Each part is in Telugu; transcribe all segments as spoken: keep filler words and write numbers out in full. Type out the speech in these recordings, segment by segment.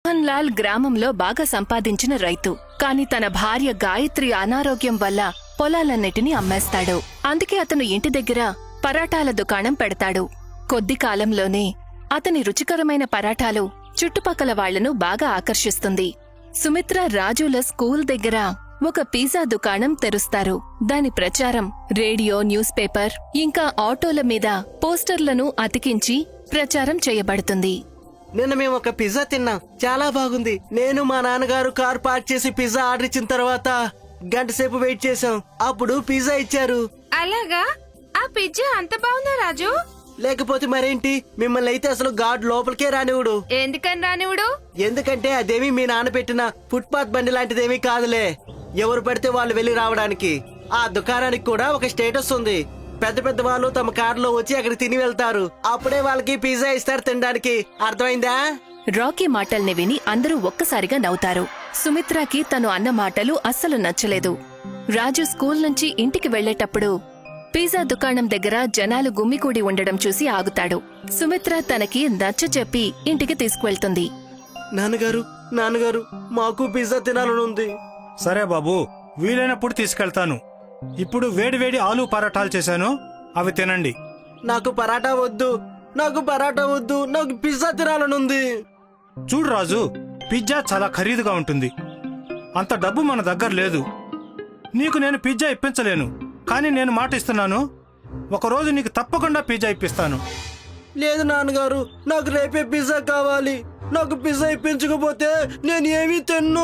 మోహన్ లాల్ గ్రామంలో బాగా సంపాదించిన రైతు. కాని తన భార్య గాయత్రి అనారోగ్యం వల్ల పొలాలన్నిటినీ అమ్మేస్తాడు. అందుకే అతను ఇంటి దగ్గర పరాటాల దుకాణం పెడతాడు. కొద్ది కాలంలోనే అతని రుచికరమైన పరాటాలు చుట్టుపక్కల వాళ్లను బాగా ఆకర్షిస్తుంది. సుమిత్ర రాజుల స్కూల్ దగ్గర ఒక పిజ్జా దుకాణం తెరుస్తారు. దాని ప్రచారం రేడియో, న్యూస్ పేపర్ ఇంకా ఆటోల మీద పోస్టర్లను అతికించి ప్రచారం చేయబడుతుంది. నిన్న మేము ఒక పిజ్జా తిన్నాం, చాలా బాగుంది. నేను మా నాన్నగారు కార్ పార్క్ చేసి పిజ్జా ఆర్డర్ ఇచ్చిన తర్వాత గంట సేపు వెయిట్ చేసాం. అప్పుడు పిజ్జా ఇచ్చారు. అలాగా? ఆ పిజ్జా అంత బాగుందా రాజు? లేకపోతే మరేంటి, మిమ్మల్ని అయితే అసలు గాడ్ లోపలికే రానివుడు. ఎందుకని రానివుడు? ఎందుకంటే అదేమి మీ నాన్న పెట్టిన ఫుట్పాత్ బండి లాంటిదేమీ కాదులే. ఎవరు పడితే వాళ్ళు వెళ్లి రావడానికి. ఆ దుకాణానికి కూడా ఒక స్టేటస్ ఉంది. పెద్ద పెద్ద వాళ్ళు తమ కారులో వచ్చి అక్కడ తిని వెళ్తారు. అప్పుడే వాళ్ళకి పిజ్జా ఇస్తారు తినడానికి. అర్థమైందా? రాకీ మాటల్ని విని అందరూ ఒక్కసారిగా నవ్వుతారు. సుమిత్రకి తను అన్న మాటలు అస్సలు నచ్చలేదు. రాజు స్కూల్ నుంచి ఇంటికి వెళ్లేటప్పుడు పిజ్జా దుకాణం దగ్గర జనాలు గుమ్మికూడి ఉండడం చూసి ఆగుతాడు. సుమిత్ర తనకి నచ్చ చెప్పి ఇంటికి తీసుకువెళ్తుంది. నాన్నగారు నాన్నగారు మాకు పిజ్జా తినాలనుంది. సరే బాబు, వీలైనప్పుడు తీసుకెళ్తాను. ఇప్పుడు వేడివేడి ఆలూ పరాటాలు చేశాను, అవి తినండి. నాకు పరాటా వద్దు, నాకు పరాటా వద్దు, నాకు పిజ్జా తినాలనుంది. చూడు రాజు, పిజ్జా చాలా ఖరీదుగా ఉంటుంది. అంత డబ్బు మన దగ్గర లేదు. నీకు నేను పిజ్జా ఇప్పించలేను. కానీ నేను మాట ఇస్తున్నాను, ఒకరోజు నీకు తప్పకుండా పిజ్జా ఇప్పిస్తాను. లేదు నాన్నగారు, నాకు రేపే పిజ్జా కావాలి. నాకు పిజ్జా ఇప్పించకపోతే నేను ఏమీ తిన్ను.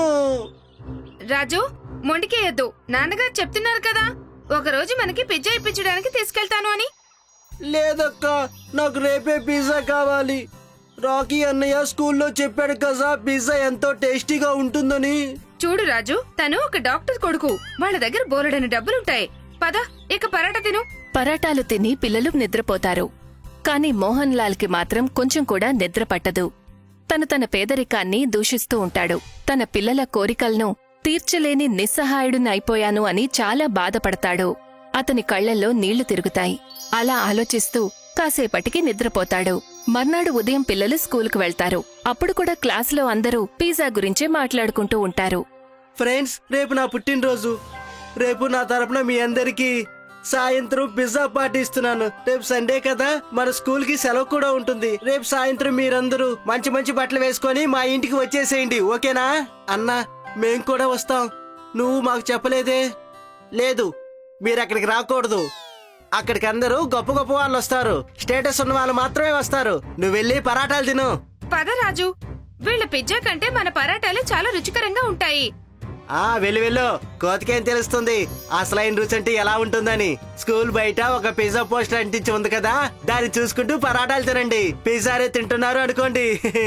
రాజు, మొండికేయద్దు. నాన్నగారు చెప్తున్నారు కదా, ఒకరోజు మనకి పిజ్జా ఇప్పించడానికి తీసుకెళ్తాను అని. లేదక్క, నాకు రేపే పిజ్జా కావాలి. రాకీ అన్నయ్య స్కూల్లో చెప్పాడు కదా పిజ్జా ఎంతో టేస్టీగా ఉంటుందని. చూడు రాజు, తను ఒక డాక్టర్ కొడుకు. వాళ్ళ దగ్గర బోలెడని డబ్బులుంటాయి. పద, ఇక పరాటా తిను. పరాటాలు తిని పిల్లలు నిద్రపోతారు. కాని మోహన్ లాల్ కి మాత్రం కొంచెం కూడా నిద్ర పట్టదు. తను తన పేదరికాన్ని దూషిస్తూ ఉంటాడు. తన పిల్లల కోరికలను తీర్చలేని నిస్సహాయుడునైపోయాను అని చాలా బాధపడతాడు. అతని కళ్లల్లో నీళ్లు తిరుగుతాయి. అలా ఆలోచిస్తూ కాసేపటికి నిద్రపోతాడు. మర్నాడు ఉదయం పిల్లలు స్కూలుకు వెళ్తారు. అప్పుడు కూడా క్లాసులో అందరూ పిజ్జా గురించే మాట్లాడుకుంటూ ఉంటారు. ఫ్రెండ్స్, రేపు నా పుట్టినరోజు. రేపు నా తరపున మీ అందరికి సాయంత్రం పిజ్జా పార్టీ ఇస్తున్నాను. రేపు సండే కదా, మన స్కూల్ కి సెలవు కూడా ఉంటుంది. రేపు సాయంత్రం మీరందరూ మంచి మంచి బట్టలు వేసుకొని మా ఇంటికి వచ్చేసేయండి, ఓకేనా? అన్నా, మేం కూడా వస్తాం. నువ్వు మాకు చెప్పలేదే. లేదు, మీరు అక్కడికి రాకూడదు. అక్కడికి అందరూ గొప్ప గొప్ప వాళ్ళు వస్తారు. స్టేటస్ ఉన్న వాళ్ళు మాత్రమే వస్తారు. నువ్వు వెళ్ళి పరాటాలు తిను. పద రాజు, వీళ్ళ పిజ్జా కంటే మన పరాటాలు చాలా రుచికరంగా ఉంటాయి. ఆ వెళ్ళు వెళ్ళు, కోతికేం తెలుస్తుంది అసలైన రుచి అంటే ఎలా ఉంటుందని. స్కూల్ బయట ఒక పిజ్జా పోస్టర్ అంటించి ఉంది కదా, దాన్ని చూసుకుంటూ పరాటాలు తినండి. పిజ్జారే తింటున్నారు అనుకోండి.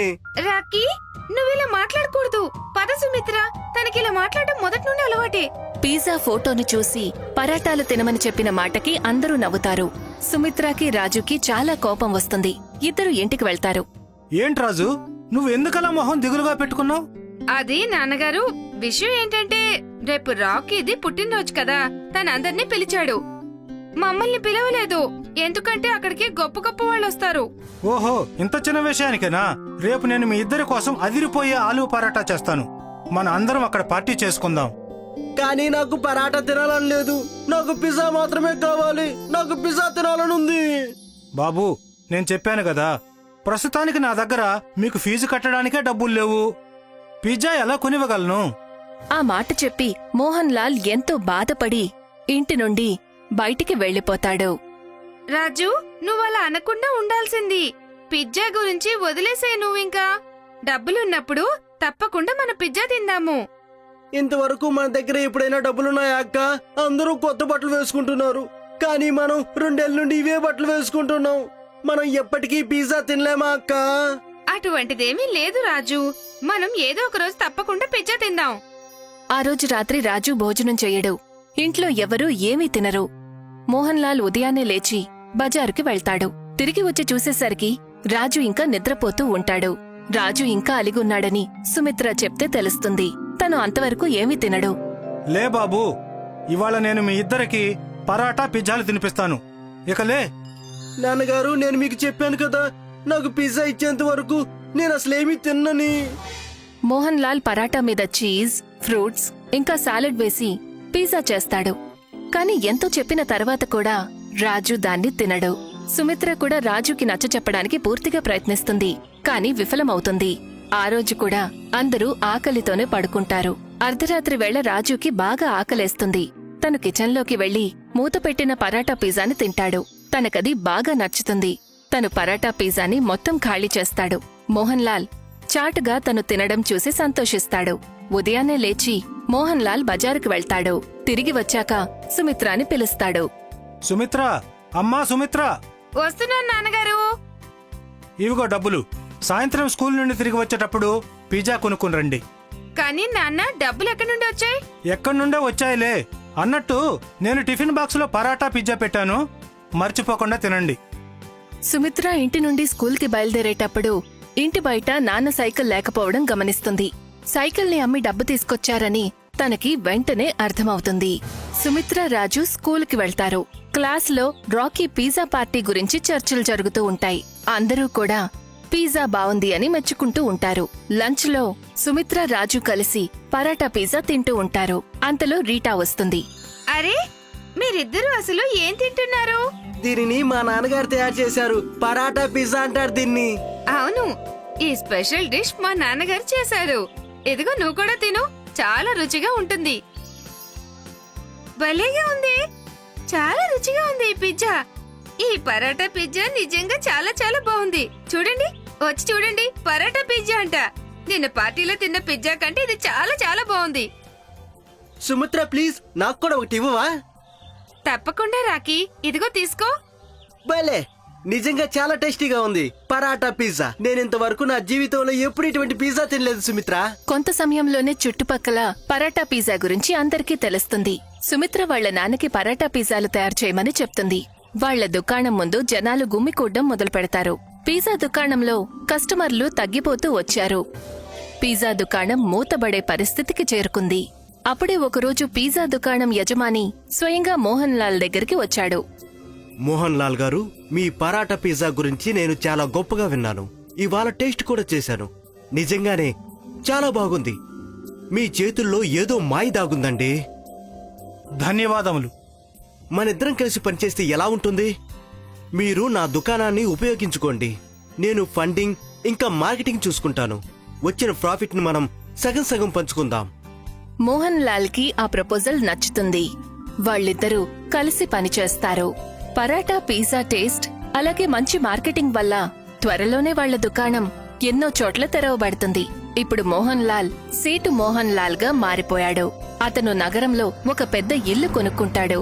రాకీ, నువ్వు ఇలా మాట్లాడకూడదు. పద సుమిత్ర, తనకిలా మాట్లాడటం మొదటి నుండి అలవాటే. పిజ్జా ఫోటోను చూసి పరాటాలు తినమని చెప్పిన మాటకి అందరూ నవ్వుతారు. సుమిత్రకి రాజుకి చాలా కోపం వస్తుంది. ఇద్దరు ఇంటికి వెళ్తారు. ఏంటి రాజు, నువ్వు ఎందుకలా మొహం దిగులుగా పెట్టుకున్నావు? అది నాన్నగారు, విషయం ఏంటంటే రేపు రాకీది పుట్టినరోజు కదా, తనందర్నీ పిలిచాడు. మమ్మల్ని పిలవలేదు. ఎందుకంటే అక్కడికి గొప్ప గొప్ప వాళ్ళు వస్తారు. ఓహో, ఇంత చిన్న విషయానికేనా? రేపు నేను మీ ఇద్దరి కోసం అదిరిపోయే ఆలూ పరాటా చేస్తాను. మన అందరం అక్కడ పార్టీ చేసుకుందాం. కానీ నాకు పరాటా తినాలని లేదు. నాకు పిజ్జా మాత్రమే కావాలి. నాకు పిజ్జా తినాలని ఉంది. బాబు, నేను చెప్పాను కదా, ప్రస్తుతానికి నా దగ్గర మీకు ఫీజు కట్టడానికే డబ్బులు లేవు. పిజ్జా ఎలా కొనివ్వగలను? ఆ మాట చెప్పి మోహన్ లాల్ ఎంతో బాధపడి ఇంటి నుండి బయటికి వెళ్లిపోతాడు. రాజు, నువ్వలా అనకుండా ఉండాల్సింది. పిజ్జా గురించి వదిలేసే నువ్వింకా. డబ్బులున్నప్పుడు తప్పకుండా మన పిజ్జా తిందాము. ఇంతవరకు మన దగ్గర ఎప్పుడైనా డబ్బులున్నాయా అక్క? అందరూ కొత్త బట్టలు వేసుకుంటున్నారు. కానీ మనం రెండేళ్ల నుండి ఇవే బట్టలు వేసుకుంటున్నాం. మనం ఎప్పటికీ పిజ్జా తినలేమా అక్క? అటువంటిదేమీ లేదు రాజు. మనం ఏదో ఒక రోజు తప్పకుండా పిజ్జా తిందాం. ఆ రోజు రాత్రి రాజు భోజనం చెయ్యడు. ఇంట్లో ఎవరూ ఏమీ తినరు. మోహన్ లాల్ ఉదయాన్నే లేచి బజారుకి వెళ్తాడు. తిరిగి వచ్చి చూసేసరికి రాజు ఇంకా నిద్రపోతూ ఉంటాడు. రాజు ఇంకా అలిగున్నాడని సుమిత్ర చెప్తే తెలుస్తుంది. తను అంతవరకు ఏమీ తినడు. లే బాబూ, ఇవాళ నేను మీ ఇద్దరికి పరాటా పిజ్జాలు తినిపిస్తాను. ఇక లే. నాన్నగారు, నేను మీకు చెప్పాను కదా, నాకు పిజ్జా ఇచ్చేంత వరకు నేను అసలేమీ తిన్నని. మోహన్ లాల్ పరాటా మీద చీజ్ ఫ్రూట్స్ ఇంకా సాలెడ్ వేసి పిజ్జా చేస్తాడు. కాని ఎంతో చెప్పిన తర్వాత కూడా రాజు దాన్ని తినడు. సుమిత్ర కూడా రాజుకి నచ్చచెప్పడానికి పూర్తిగా ప్రయత్నిస్తుంది, కాని విఫలమవుతుంది. ఆ రోజు కూడా అందరూ ఆకలితోనే పడుకుంటారు. అర్ధరాత్రి వేళ రాజుకి బాగా ఆకలేస్తుంది. తను కిచెన్లోకి వెళ్లి మూతపెట్టిన పరాటా పిజ్జాని తింటాడు. తనకది బాగా నచ్చుతుంది. తను పరాటా పిజ్జాని మొత్తం ఖాళీ చేస్తాడు. మోహన్ లాల్ చాటుగా తను తినడం చూసి సంతోషిస్తాడు. ఉదయాన్నే లేచి మోహన్ లాల్ బజారుకు వెళ్తాడు. తిరిగి వచ్చాక సుమిత్రాని పిలుస్తాడు. సుమిత్ర, అమ్మా సుమిత్ర, వస్తున్నాను నాన్నగారు. ఇవిగో డబ్బులు. సాయంత్రం స్కూల్ నుండి తిరిగి వచ్చేటప్పుడు పిజ్జా కొనుక్కుని రండి. కానీ నాన్న, డబ్బులు ఎక్కడి నుండి వచ్చాయి? ఎక్కడి నుండే వచ్చాయిలే. అన్నట్టు నేను టిఫిన్ బాక్స్ లో పరాటా పిజ్జా పెట్టాను, మర్చిపోకుండా తినండి. సుమిత్ర ఇంటి నుండి స్కూల్కి బయలుదేరేటప్పుడు ఇంటి బయట నాన్న సైకిల్ లేకపోవడం గమనిస్తుంది. సైకిల్ని అమ్మి డబ్బు తీసుకొచ్చారని తనకి వెంటనే అర్థమవుతుంది. సుమిత్ర రాజు స్కూల్కి వెళ్తారు. క్లాస్లో రాకీ పిజ్జా పార్టీ గురించి చర్చలు జరుగుతూ ఉంటాయి. అందరూ కూడా పిజ్జా బావుంది అని మెచ్చుకుంటూ ఉంటారు. లంచ్లో సుమిత్ర రాజు కలిసి పరాటా పిజ్జా తింటూ ఉంటారు. అంతలో రీటా వస్తుంది. అరే, మీరిద్దరూ అసలు ఏం తింటున్నారు? దీనిని మా నాన్నగారు తయారు చేశారు. పరాటా పిజ్జా అంటారు దీన్ని. అవును, ఈ స్పెషల్ డిష్ మా నాన్నగారు చేశారు. ఇదిగో నువ్వు కూడా తిను, చాలా రుచిగా ఉంటుంది. భలేగా ఉంది, చాలా రుచిగా ఉంది ఈ పిజ్జా. ఈ పరాటా పిజ్జా నిజంగా చాలా చాలా బాగుంది. చూడండి, వచ్చి చూడండి, పరాటా పిజ్జా అంట. నిన్న పార్టీలో తిన్న పిజ్జా కంటే ఇది చాలా చాలా బాగుంది. సుమిత్ర ప్లీజ్ నాకు కూడా ఒకటి ఇవ్వవా? తప్పకుండా రాకీ, ఇదిగో తీసుకో. భలే, నిజంగా చాలా టేస్టీగా ఉంది పరాటా పిజ్జా. నేను ఇంతవరకు నా జీవితంలో ఎప్పుడు ఇటువంటి పిజ్జా తినలేదు సుమిత్ర. కొంత సమయంలోనే చుట్టుపక్కల పరాటా పిజ్జా గురించి అందరికీ తెలుస్తుంది. సుమిత్ర వాళ్ల నాన్నకి పరాటా పిజ్జాలు తయారు చేయమని చెప్తుంది. వాళ్ల దుకాణం ముందు జనాలు గుమ్మికూడ్డం మొదలు పెడతారు. పిజ్జా దుకాణంలో కస్టమర్లు తగ్గిపోతూ వచ్చారు. పిజ్జా దుకాణం మూతబడే పరిస్థితికి చేరుకుంది. అప్పుడే ఒకరోజు పిజ్జా దుకాణం యజమాని స్వయంగా మోహన్ లాల్ దగ్గరికి వచ్చాడు. మోహన్ లాల్ గారు, మీ పరాటా పిజ్జా గురించి నేను చాలా గొప్పగా విన్నాను. ఇవాళ టేస్ట్ కూడా చేశాను. నిజంగానే చాలా బాగుంది. మీ చేతుల్లో ఏదో మాయ దాగుందండి. ధన్యవాదములు. మనిద్దరం కలిసి పనిచేస్తే ఎలా ఉంటుంది? మీరు నా దుకాణాన్ని ఉపయోగించుకోండి. నేను ఫండింగ్ ఇంకా మార్కెటింగ్ చూసుకుంటాను. వచ్చిన ప్రాఫిట్ ని మనం సగం సగం పంచుకుందాం. మోహన్ లాల్ కి ఆ ప్రపోజల్ నచ్చుతుంది. వాళ్ళిద్దరూ కలిసి పనిచేస్తారు. పరాటా పిజ్జా టేస్ట్ అలాగే మంచి మార్కెటింగ్ వల్ల త్వరలోనే వాళ్ల దుకాణం ఎన్నో చోట్ల తెరవబడుతుంది. ఇప్పుడు మోహన్ లాల్ సేటు మోహన్ లాల్ గా మారిపోయాడు. అతను నగరంలో ఒక పెద్ద ఇల్లు కొనుక్కుంటాడు.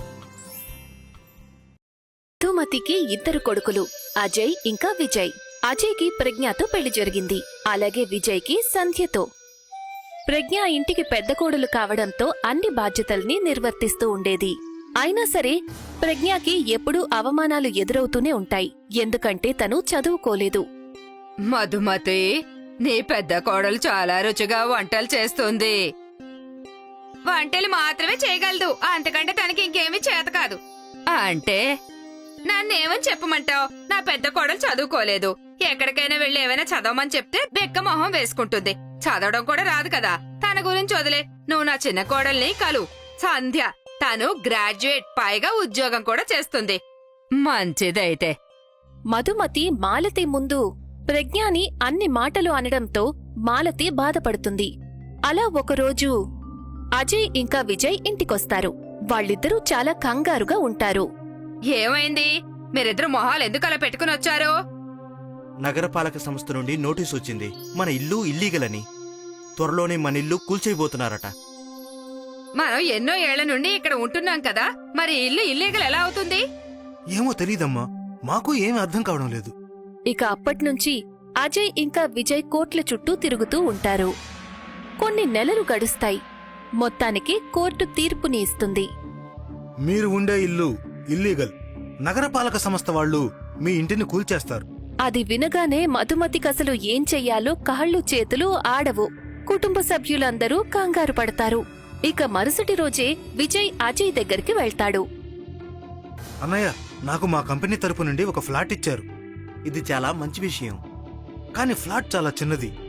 మధుమతికి ఇద్దరు కొడుకులు, అజయ్ ఇంకా విజయ్. అజయ్కి ప్రజ్ఞతో పెళ్లి జరిగింది. అలాగే విజయ్కి సంధ్యతో. ప్రజ్ఞ ఇంటికి పెద్ద కోడలు కావడంతో అన్ని బాధ్యతల్ని నిర్వర్తిస్తూ ఉండేది. అయినా సరే ప్రజ్ఞకి ఎప్పుడూ అవమానాలు ఎదురవుతూనే ఉంటాయి. ఎందుకంటే తను చదువుకోలేదు. మధుమతి, నీ పెద్ద కోడలు చాలా రుచిగా వంటలు చేస్తుంది. వంటలు మాత్రమే చేయగలదు, అంతకంటే తనకి ఇంకేమీ చేత కాదు. అంటే నన్నేమని చెప్పమంటావు? నా పెద్ద కోడలు చదువుకోలేదు. ఎక్కడికైనా వెళ్లి ఏమైనా చదవమని చెప్తే బెక్క మొహం వేసుకుంటుంది. చదవడం కూడా రాదు కదా. తన గురించి వదిలే, నువ్వు నా చిన్న కోడల్ని కలు, సంధ్య. తను గ్రాడ్యుయేట్, పైగా ఉద్యోగం కూడా చేస్తుంది. మంచిదైతే. మధుమతి మాలతి ముందు ప్రజ్ఞని అన్ని మాటలు అనడంతో మాలతి బాధపడుతుంది. అలా ఒకరోజు అజయ్ ఇంకా విజయ్ ఇంటికొస్తారు. వాళ్ళిద్దరూ చాలా కంగారుగా ఉంటారు. ఏమైంది? మీరిద్దరు మొహాలు ఎందుకు అలా పెట్టుకుని వచ్చారు? నగరపాలక సంస్థ నుండి నోటీస్ వచ్చింది. మన ఇల్లు ఇల్లీగల్ అని. త్వరలోనే మన ఇల్లు కూల్చేయబోతున్నారట. మనం ఎన్నో ఏళ్ల నుండి ఇక్కడ ఉంటున్నాం కదా, మరి ఇల్లు ఇల్లీగల్ ఎలా అవుతుంది? ఏమో తెలీదమ్మా, మాకు ఏమీ అర్థం కావడం లేదు. ఇక అప్పట్నుంచి అజయ్ ఇంకా విజయ్ కోర్టుల చుట్టూ తిరుగుతూ ఉంటారు. కొన్ని నెలలు గడుస్తాయి. మొత్తానికి కోర్టు తీర్పుని ఇస్తుంది. మీరు ఉండే ఇల్లు ఇల్లీగల్. నగరపాలక సంస్థ వాళ్ళు మీ ఇంటిని కూల్చేస్తారు. అది వినగానే మధుమతికసలు ఏం చెయ్యాలో కాళ్ళు చేతులు ఆడవు. కుటుంబ సభ్యులందరూ కంగారు పడతారు. ఇక మరుసటి రోజే విజయ్ అజయ్ దగ్గరికి వెళ్తాడు. అన్నయ్య, నాకు మా కంపెనీ తరపు నుండి ఒక ఫ్లాట్ ఇచ్చారు. ఇది చాలా మంచి విషయం. కానీ ఫ్లాట్ చాలా చిన్నది.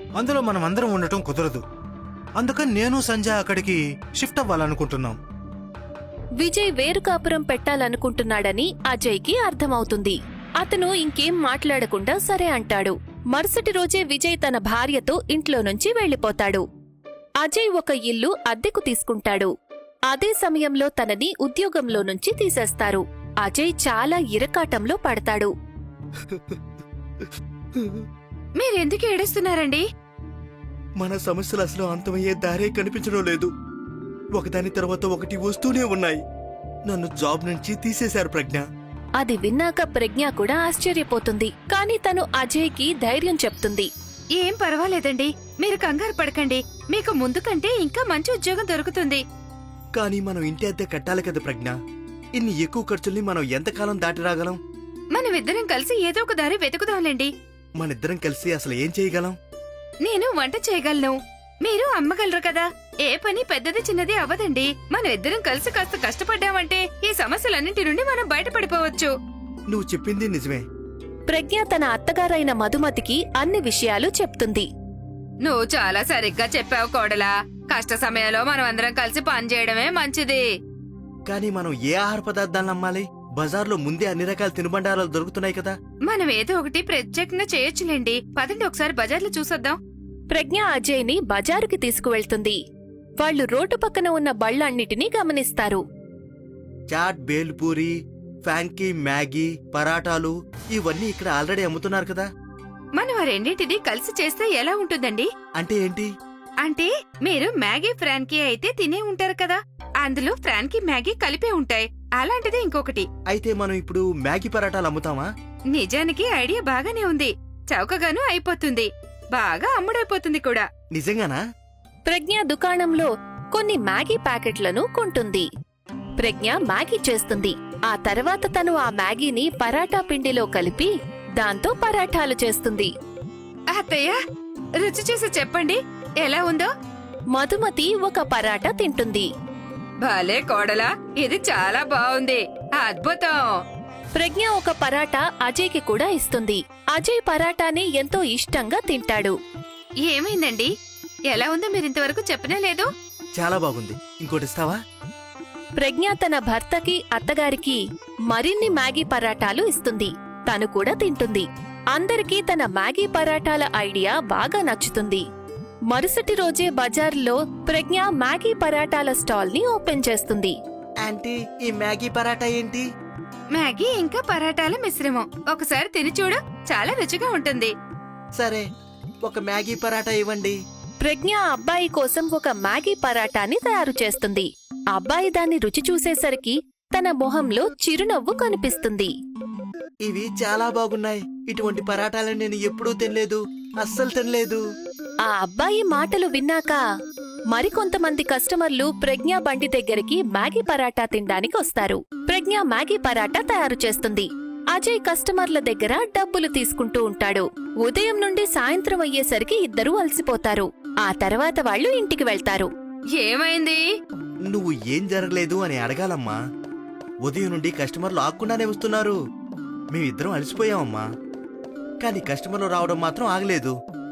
అందులో మనం అందరం ఉండటం కుదరదు. అందుకని నేను సంజయ్ అక్కడికి షిఫ్ట్ అవ్వాలనుకుంటున్నాం. విజయ్ వేరు కాపురం పెట్టాలనుకుంటున్నాడని అజయ్కి అర్థమవుతుంది. అతను ఇంకేం మాట్లాడకుండా సరే అంటాడు. మరుసటి రోజే విజయ్ తన భార్యతో ఇంట్లో నుంచి వెళ్లిపోతాడు. అజయ్ ఒక ఇల్లు అద్దెకు తీసుకుంటాడు. అదే సమయంలో తనని ఉద్యోగంలో నుంచి తీసేస్తారు. అజయ్ చాలా ఇరకాటంలో పడతాడు. మీరెందుకు ఏడుస్తున్నారండి? మన సమస్యలు అసలు అంతమయ్యే దారే కనిపించడం లేదు. ఒకదాని తర్వాత ఒకటి వస్తూనే ఉన్నాయి. నన్ను జాబ్ నుంచి తీసేశారు ప్రజ్ఞ. అది విన్నాక ప్రజ్ఞ కూడా ఆశ్చర్యపోతుంది. కాని తను అజయ్కి ధైర్యం చెప్తుంది. ఏం పర్వాలేదండి, మీరు కంగారు పడకండి. మీకు ముందు కంటే ఇంకా మంచి ఉద్యోగం దొరుకుతుంది. కానీ మనం ఇంటి అద్దె కట్టాలి కదా ప్రజ్ఞ. ఇన్ని ఎక్కువ ఖర్చుల్ని మనం ఎంతకాలం దాటి రాగలం? మనమిద్దరం కలిసి ఏదో ఒక దారి వెతుకుదాంలేండి. మనిద్దరం కలిసి అసలు ఏం చేయగలం? నేను వంట చేయగలను, మీరు అమ్మగలరు కదా. ఏ పని పెద్దది చిన్నది అవ్వదండి. మనం ఇద్దరం కలిసి కాస్త కష్టపడ్డామంటే ఈ సమస్యలన్నింటి నుండి మనం బయటపడిపోవచ్చు. నువ్వు చెప్పింది నిజమే. ప్రజ్ఞ తన అత్తగారైన మధుమతికి అన్ని విషయాలు చెప్తుంది. నువ్వు చాలా సరిగ్గా చెప్పావు కోడలా. కష్ట సమయంలో మనం అందరం కలిసి పనిచేయడమే మంచిది. కానీ మనం ఏ ఆహార పదార్థాలను అమ్మాలి? బజార్లో ముందే అన్ని రకాల తినుబండారాలు దొరుకుతున్నాయి కదా. మనం ఏదో ఒకటి ప్రత్యేకంగా చేయొచ్చులేండి. పదండి ఒకసారి బజార్లో చూసొద్దాం. ప్రజ్ఞ అజయ్ని బజారుకి తీసుకువెళ్తుంది. వాళ్లు రోడ్డు పక్కన ఉన్న బళ్లన్నిటినీ గమనిస్తారు. చాట్, బేల్పూరి, ఫ్యాంకీ, మ్యాగీ, పరాటాలు ఇవన్నీ ఇక్కడ ఆల్రెడీ అమ్ముతున్నారు కదా. మనం ఆ రెండింటినీ కలిసి చేస్తే ఎలా ఉంటుందండి? అంటే ఏంటి? అంటే మీరు మ్యాగీ ఫ్రాన్కీ అయితే తినే ఉంటారు కదా, అందులో ఫ్రాన్కీ మ్యాగీ కలిపే ఉంటాయి. అలాంటిది ఇంకొకటి. అయితే మనం ఇప్పుడు మ్యాగీ పరాటాలు అమ్ముతామా? నిజానికి ఐడియా బాగానే ఉంది. చౌకగాను అయిపోతుంది, బాగా అమ్ముడైపోతుంది కూడా. నిజంగానా? ప్రజ్ఞ దుకాణంలో కొన్ని మ్యాగీ ప్యాకెట్లను కొంటుంది. ప్రజ్ఞ మ్యాగీ చేస్తుంది. ఆ తర్వాత తను ఆ మ్యాగీని పరాటా పిండిలో కలిపి దాంతో పరాఠాలు చేస్తుంది. అత్తయ్య, రుచి చూసి చెప్పండి ఎలా ఉందో. మధుమతి ఒక పరాటా తింటుంది. భలే కోడలా, ఇది చాలా బాగుంది, అద్భుతం. ప్రజ్ఞ ఒక పరాటా అజయ్కి కూడా ఇస్తుంది. అజయ్ పరాటాని ఎంతో ఇష్టంగా తింటాడు. ఏమైందండి? ఎలా ఉందో మీరింతవరకు చెప్పనే లేదు. చాలా బాగుంది. ఇంకోటి ఇస్తావా? ప్రజ్ఞ తన భర్తకి అత్తగారికి మరిన్ని మ్యాగీ పరాటాలు ఇస్తుంది. తను కూడా తింటుంది. అందరికీ తన మ్యాగీ పరాటాల ఐడియా బాగా నచ్చుతుంది. మరుసటి రోజే బజార్లో ప్రజ్ఞ మ్యాగీ పరాటాల స్టాల్ ని ఓపెన్ చేస్తుంది. ఆంటీ, ఈ మ్యాగీ పరాటా ఏంటి? మ్యాగీ ఇంకా పరాటాల మిశ్రమం. ఒకసారి తిని చూడు, చాలా రుచిగా ఉంటుంది. సరే, ఒక మ్యాగీ పరాటా ఇవ్వండి. ప్రజ్ఞ అబ్బాయి కోసం ఒక మ్యాగీ పరాటాని తయారు చేస్తుంది. అబ్బాయి దాన్ని రుచి చూసేసరికి తన మొహంలో చిరునవ్వు కనిపిస్తుంది. ఇవి చాలా బాగున్నాయి. ఇటువంటి పరాటాలను నేను ఎప్పుడూ తినలేదు, అస్సలు తినలేదు. ఆ అబ్బాయి మాటలు విన్నాక మరికొంతమంది కస్టమర్లు ప్రజ్ఞ బండి దగ్గరికి మ్యాగీ పరాటా తినడానికి వస్తారు. ప్రజ్ఞ మ్యాగీ పరాటా తయారు చేస్తుంది. అజయ్ కస్టమర్ల దగ్గర డబ్బులు తీసుకుంటూ ఉంటాడు. ఉదయం నుండి సాయంత్రం అయ్యేసరికి ఇద్దరూ అలసిపోతారు. ఆ తర్వాత వాళ్ళు ఇంటికి వెళ్తారు. ఏమైంది? నువ్వు ఏం జరగలేదు అని అడగాలమ్మా. ఉదయం నుండి కస్టమర్లు ఆగకుండానే వస్తున్నారు. మేమిద్దరం అలసిపోయామమ్మా. కానీ కస్టమర్లు రావడం మాత్రం ఆగలేదు.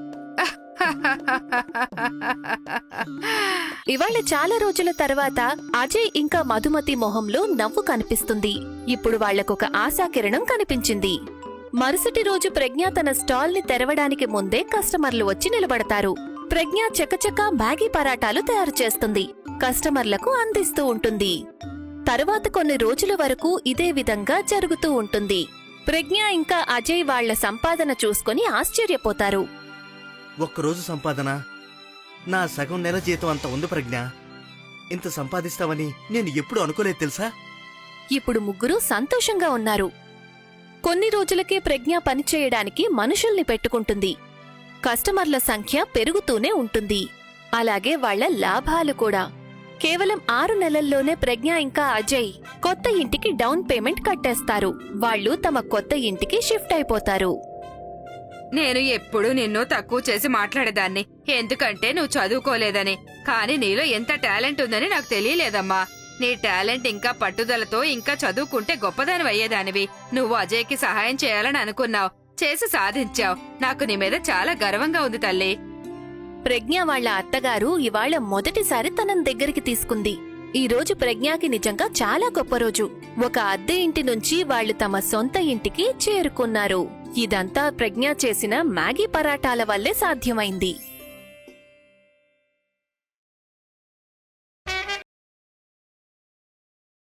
ఇవాళ చాలా రోజుల తర్వాత అజయ్ ఇంకా మధుమతి మొహంలో నవ్వు కనిపిస్తుంది. ఇప్పుడు వాళ్లకొక ఆశాకిరణం కనిపించింది. మరుసటి రోజు ప్రజ్ఞ తన స్టాల్ ని తెరవడానికి ముందే కస్టమర్లు వచ్చి నిలబడతారు. ప్రజ్ఞ చకచక మ్యాగీ పరాటాలు తయారు చేస్తుంది. కస్టమర్లకు అందిస్తూ ఉంటుంది. తరువాత కొన్ని రోజుల వరకు ఇదే విధంగా జరుగుతూ ఉంటుంది. ప్రజ్ఞ ఇంకా అజయ్ వాళ్ల సంపాదన చూసుకుని ఆశ్చర్యపోతారు. ఒక్కరోజు సంపాదన నా సగం నెల జీతం అంత ఉంది ప్రజ్ఞ. ఇంత సంపాదిస్తావని నేను ఎప్పుడు అనుకోలేదు తెలుసా? ఇప్పుడు ముగ్గురు సంతోషంగా ఉన్నారు. కొన్ని రోజులకే ప్రజ్ఞ పనిచేయడానికి మనుషుల్ని పెట్టుకుంటుంది. కస్టమర్ల సంఖ్య పెరుగుతూనే ఉంటుంది. అలాగే వాళ్ల లాభాలు కూడా. కేవలం ఆరు నెలల్లోనే ప్రజ్ఞ ఇంకా అజయ్ కొత్త ఇంటికి డౌన్ పేమెంట్ కట్టేస్తారు. వాళ్లు తమ కొత్త ఇంటికి షిఫ్ట్ అయిపోతారు. నేను ఎప్పుడూ నిన్ను తక్కువ చేసి మాట్లాడేదాన్ని, ఎందుకంటే నువ్వు చదువుకోలేదని. కానీ నీలో ఎంత టాలెంట్ ఉందని నాకు తెలియలేదమ్మా. నీ టాలెంట్ ఇంకా పట్టుదలతో ఇంకా చదువుకుంటే గొప్పదాని అయ్యేదానివి. నువ్వు అజయ్కి సహాయం చేయాలని అనుకున్నావు, చేసి సాధించావు. నాకు నీ మీద చాలా గర్వంగా ఉంది తల్లి. ప్రజ్ఞ వాళ్ళ అత్తగారు ఇవాళ మొదటిసారి తనని దగ్గరికి తీసుకుంది. ఈ రోజు ప్రజ్ఞకి నిజంగా చాలా గొప్ప రోజు. ఒక అద్దె ఇంటి నుంచి వాళ్ళు తమ సొంత ఇంటికి చేరుకున్నారు. ఇదంతా ప్రజ్ఞ చేసిన మ్యాగీ పరాటాల వల్లే సాధ్యమైంది.